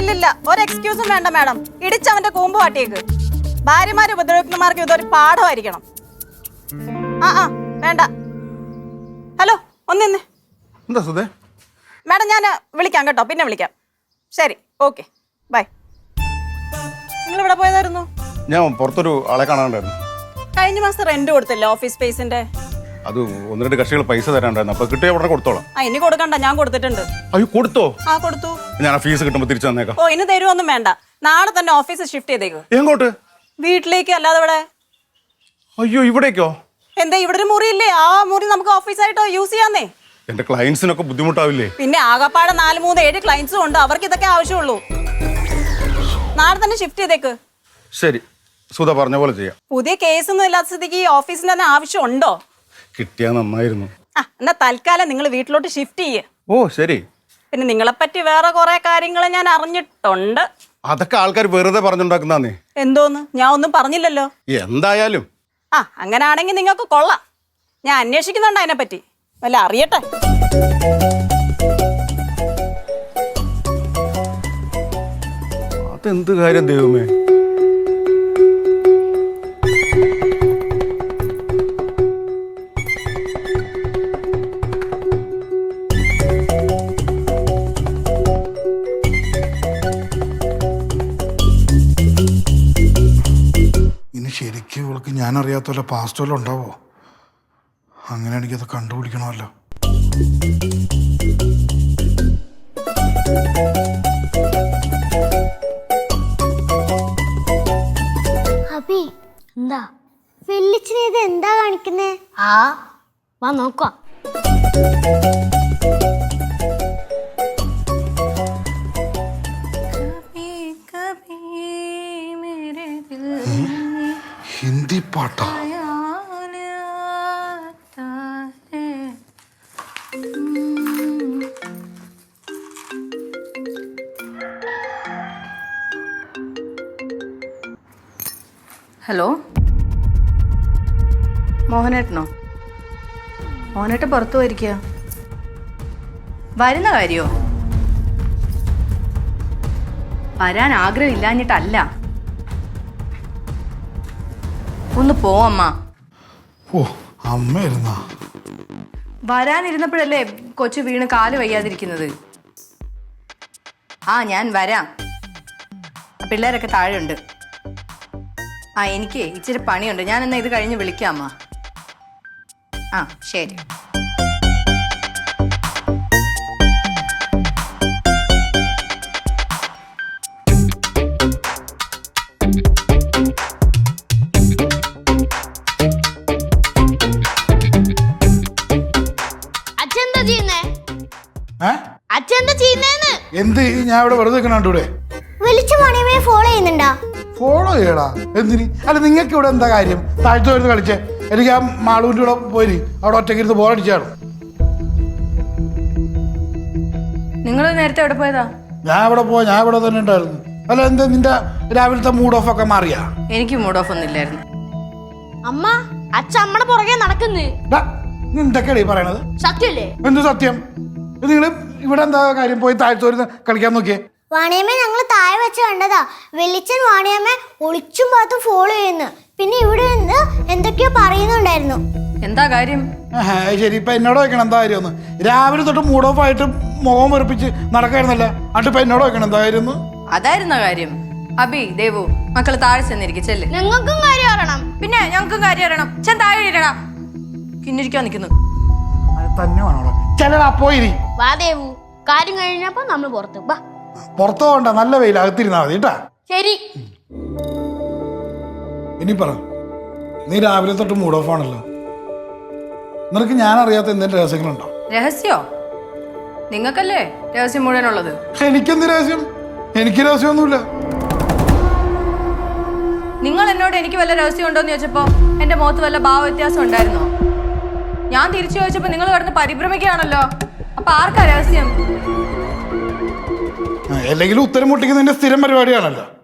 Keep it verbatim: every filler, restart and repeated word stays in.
ഇല്ലില്ല, ഒരു എക്സ്ക്യൂസും വേണ്ട മാഡം. ഇടിച്ചവന്റെ കൂമ്പ് കാട്ടിയേക്ക്. ഭാര്യമാര് ഉപദ്രവിക്കുന്നമാർക്ക് ഇതൊരു പാഠമായിരിക്കണം. ആ ആ വേണ്ട. ഹലോ ഒന്നിന്ന് എന്താ സുധേ? മാഡം ഞാൻ വിളിക്കാം കേട്ടോ, പിന്നെ വിളിക്കാം. ശരി, ഓക്കെ, ബൈ. നിങ്ങൾ ഇവിടെ പോയതായിരുന്നു? ഞാൻ പുറത്തൊരു ആളെ കാണാണ്ടായിരുന്നു. കഴിഞ്ഞ മാസം റെന്റ് കൊടുത്തില്ലേ ഓഫീസ് സ്പേസിന്റെ? അത് ഒന്ന് രണ്ട് കക്ഷികൾ പൈസ തരാണ്ടായിരുന്നു. അപ്പൊ കിട്ടിയ ഉടനെ കൊടുത്തോളാം. ആ ഇനി കൊടുക്കണ്ട, ഞാൻ കൊടുത്തിട്ടുണ്ട്. അയ്യോ കൊടുത്തോ? ആ കൊടുത്തു. ഞാൻ ആ ഫീസ് കിട്ടുമ്പോ തിരിച്ചു തന്നേക്കാം. ഓ ഇനി തരുമൊന്നും വേണ്ട, നാളെ തന്നെ ഓഫീസ് ഷിഫ്റ്റ് ചെയ്തേക്ക്. എങ്ങോട്ട്? വീട്ടിലേക്ക്. അല്ലാതെ ഇവിടെ. അയ്യോ ഇവിടേക്കോ? എന്താ ഇവിടെ ഒരു മുറി ഇല്ലേ? ആ മുറി നമുക്ക് ഓഫീസായിട്ടോ യൂസ് ചെയ്യാന്നേ. എന്റെ ക്ലയൻസിനൊക്കെ ബുദ്ധിമുട്ടാവില്ലേ? പിന്നെ ആകപ്പാടെ നാല് മൂന്ന് ഏഴ് ക്ലയൻസും ഉണ്ട്, അവർക്ക് ഇതൊക്കെ ആവശ്യമുള്ളൂ. നാളെ തന്നെ ഷിഫ്റ്റ് ചെയ്തേക്ക്. ശരി, സുധ പറഞ്ഞ പോലെ ചെയ്യാം. പുതിയ കേസൊന്നും ഇല്ലാത്ത സ്ഥിതിക്ക് ഈ ഓഫീസിന് തന്നെ ആവശ്യമുണ്ടോ? കിട്ടിയാ നന്നായിരുന്നു. ആ എന്നാ തൽക്കാലം നിങ്ങൾ വീട്ടിലോട്ട് ഷിഫ്റ്റ് ചെയ്യേ. ഓ ശരി. പിന്നെ നിങ്ങളെപ്പറ്റി വേറെ കുറെ കാര്യങ്ങൾ ഞാൻ അറിഞ്ഞിട്ടുണ്ട്. അതൊക്കെ ആൾക്കാർ വെറുതെ പറഞ്ഞുണ്ടാക്കുന്നേ. എന്തോന്ന്? ഞാൻ ഒന്നും പറഞ്ഞില്ലല്ലോ. എന്തായാലും ആ അങ്ങനാണെങ്കിൽ നിങ്ങൾക്ക് കൊള്ളാം. ഞാൻ അന്വേഷിക്കുന്നുണ്ട് അതിനെപ്പറ്റി, വല്ല അറിയട്ടെ. അതെന്ത് കാര്യം ദൈവമേ? ഇനി ശരിക്കും ഇവൾക്ക് ഞാൻ അറിയാത്ത വല്ല പാസ്റ്റ് വല്ലതും ഉണ്ടാവോ? അങ്ങനെ എനിക്കത് കണ്ടുപിടിക്കണമല്ലോ. അബി എന്താ വെള്ളിച്ചിന് ഇത് എന്താ കാണിക്കുന്നേ? ആ വാ നോക്കാം. ഹിന്ദി പാട്ടാ? ഹലോ, മോഹനേട്ടനോ? മോഹനേട്ടൻ പുറത്തു പോയിരിക്കുക. വരുന്ന കാര്യോ? വരാൻ ആഗ്രഹമില്ലാഞ്ഞിട്ടല്ല, ഒന്ന് പോവമ്മ. ഓ അമ്മയിരുന്ന വരാനിരുന്നപ്പോഴല്ലേ കൊച്ചു വീണ് കാല് വയ്യാതിരിക്കുന്നത്. ആ ഞാൻ വരാം, പിള്ളേരൊക്കെ താഴെയുണ്ട്. ആ എനിക്ക് ഇച്ചിരി പണിയുണ്ട്, ഞാൻ എന്നാ ഇത് കഴിഞ്ഞ് വിളിക്കാം അമ്മ. ആ ശരി. എന്ത് ഞാൻ ഇവിടെ വെറുതെ നിൽക്കണൂടെ? ഫോളോ ചെയ്യുന്നുണ്ടാ? ഫോളോ ചെയ്യടാ എന്തിന്? അല്ല നിങ്ങൾക്ക് ഇവിടെ എന്താ കാര്യം? താഴ്ത്തു വരുന്ന കളിച്ചേ. എനിക്ക് ആ മാളൂൻ്റെ കൂടെ പോയി അവിടെ ഒറ്റയ്ക്ക് ഇരുന്ന് ബോറടിച്ചാണ്. നിങ്ങൾ നേരത്തെ എവിടെ പോയതാ? ഞാൻ ഇവിടെ പോയി, ഞാൻ ഇവിടെ തന്നെ ഉണ്ടായിരുന്നു. അല്ല എന്താ നിന്റെ രാവിലത്തെ മൂഡ് ഓഫ് ഒക്കെ മാറിയാ? എനിക്ക് മൂഡ് ഓഫ് ഒന്നും ഇല്ലായിരുന്നു. അമ്മ അച്ഛൻ അമ്മയുടെ പുറകെ നടക്കുന്നേ. നീ എന്തൊക്കെയാ ഈ പറയണത്? സത്യല്ലേ? എന്ത് സത്യം? നിങ്ങൾ ഇവിടെ എന്താ കാര്യം? പോയി താഴ്ത്തു വരുന്ന കളിക്കാൻ നോക്കിയേ. വാണിയമ്മ ഞങ്ങൾ താഴെ വെച്ച് കണ്ടതാ. വെള്ളിച്ചൻ വാണിയമ്മ ഒളിച്ചും പാത്തും ഫോളോ ചെയ്യുന്നു. പിന്നെ ഇവിടെ നിന്ന് എന്തൊക്കെയോ പറയുന്നുണ്ടായിരുന്നു. എന്താ കാര്യം? ശരി, ഇപ്പൊ എന്നോട് വെക്കണം എന്താ കാര്യം ഒന്ന്? രാവിലെ തൊട്ട് മൂഡ് ഓഫ് ആയിട്ട് മുഖം വെറുപ്പിച്ച് നടക്കായിരുന്നല്ല, എന്നിട്ട് ഇപ്പൊ എന്നോട് വെക്കണം എന്താ കാര്യം? അതായിരുന്ന കാര്യം. അബി, ദേവു, മക്കള് താഴെ ചെന്നിരിക്കും. ചെല്ല്. ഞങ്ങൾക്കും കാര്യം അറിയണം. പിന്നെ ഞങ്ങൾക്കും കാര്യം അറിയണം. ചെന്ന് താഴെ ഇരടാ. കിന്നിരിക്കാൻ നിൽക്കുന്നു. തന്നെ വേണോ? ചെല്ലടാ പോയിരി. വാ ദേവു, കാര്യം കഴിഞ്ഞപ്പോ നമ്മൾ പുറത്ത് വാ. പുറത്തു പോകണ്ട, നല്ല വെയിൽ, അകത്തിരുന്നാ മതി കേട്ടാ. ശരി. ഇനി പറ, നീ രാവിലെ തൊട്ട് മൂഡ് ഓഫ് ആണല്ലോ. നിനക്ക് ഞാൻ അറിയാത്ത എന്തെങ്കിലും രഹസ്യങ്ങളുണ്ടോ? രഹസ്യോ? നിങ്ങൾക്കല്ലേ രഹസ്യം മുഴുവനുള്ളത്. എനിക്കെന്ത് രഹസ്യം? എനിക്ക് രഹസ്യമൊന്നുമില്ല. നിങ്ങൾ എന്നോട് എനിക്ക് വല്ല രഹസ്യം ഉണ്ടോന്ന് ചോദിച്ചപ്പോ എന്റെ മുഖത്ത് വല്ല ഭാവ വ്യത്യാസം ഉണ്ടായിരുന്നോ? ഞാൻ തിരിച്ചു ചോദിച്ചപ്പോ നിങ്ങൾ കിടന്ന് പരിഭ്രമിക്കുകയാണല്ലോ. അപ്പൊ ആർക്കാ രഹസ്യം? അല്ലെങ്കിലും ഉത്തരം മുട്ടിക്കുന്നതിന്റെ സ്ഥിരം പരിപാടിയാണല്ലോ.